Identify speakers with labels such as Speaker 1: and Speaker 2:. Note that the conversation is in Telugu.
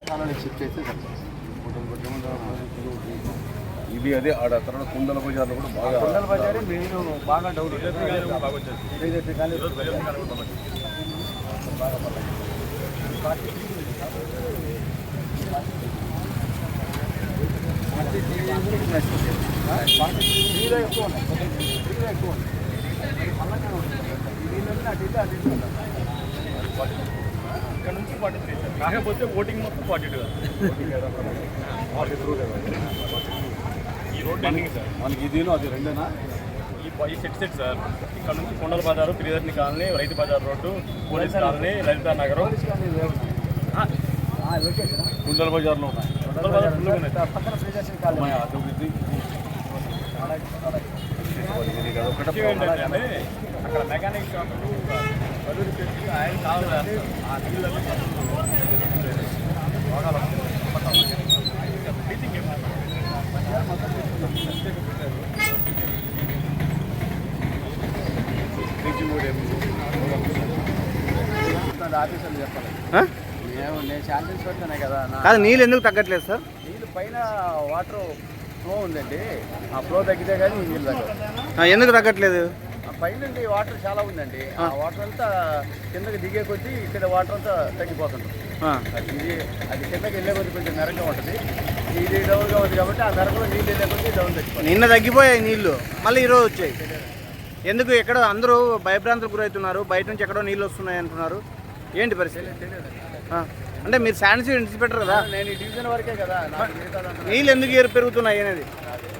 Speaker 1: ఇది అదే ఆడ తర్వాత కుండల బజార్లో కూడా బాగా
Speaker 2: కుండల బజారే మెయిన్ బాగా డౌట్ ఎక్కువ ఉన్నాయి
Speaker 3: ఇక్కడ నుంచి 43 సార్. కాకపోతే ఓటింగ్ మొత్తం 42 ఈ రోడ్ ఎండింగ్ సార్.
Speaker 1: మనకి ఇదేనో అది రెండేనా?
Speaker 3: ఈ సెట్ సార్. ఇక్కడ నుంచి కొండల బజారు, Priyadarshini colony, Rythu Bazar road, police colony, Lalitha Nagaram,
Speaker 1: కుండల బజార్లో ఉన్నాయి.
Speaker 3: కొండల బజార్ ఫుల్గా ఉన్నాయి.
Speaker 2: పక్కన ప్రియదర్శిని కాలనీ
Speaker 1: అభివృద్ధి
Speaker 3: విషయం ఏంటంటే అక్కడ మెకానిక్ షాపులు బదులు పెట్టి ఆయన కావాలి ఆ నీళ్ళలో మీటింగ్
Speaker 2: ఆఫీసర్లు చెప్పాలి. నేను శాంతిల్స్ పెడుతున్నాయి కదా
Speaker 4: కాదు, నీళ్ళు ఎందుకు తగ్గట్లేదు సార్?
Speaker 2: నీళ్ళు పైన వాటర్ ఫ్లో ఉందండి. ఆ ఫ్లో తగ్గితే కానీ నీళ్ళు తగ్గదు.
Speaker 4: ఎందుకు తగ్గట్లేదు?
Speaker 2: పైన వాటర్ చాలా ఉందండి. ఆ వాటర్ అంతా కిందకి దిగే కొద్దీ ఇక్కడ వాటర్ అంతా తగ్గిపోతుంది. అది కిందకి వెళ్ళే కొద్ది కొంచెం మెరగా ఉంటుంది. ఇది డౌన్గా ఉంది కాబట్టి ఆ మెరగలో నీళ్ళు వెళ్ళే కొద్దీ డౌన్ తగ్గిపోతుంది.
Speaker 4: నిన్న తగ్గిపోయాయి నీళ్లు, మళ్ళీ ఈరోజు వచ్చాయి. ఎందుకు? ఎక్కడ అందరూ భయభ్రాంతులకు గురవుతున్నారు, బయట నుంచి ఎక్కడో నీళ్ళు వస్తున్నాయి అంటున్నారు. ఏంటి పరిస్థితి? అంటే మీరు శానిటరీ ఇన్స్పెక్టర్ కదా,
Speaker 2: నేను ఈ డివిజన్ వరకే కదా,
Speaker 4: నీళ్ళు ఎందుకు పెరుగుతున్నాయి అనేది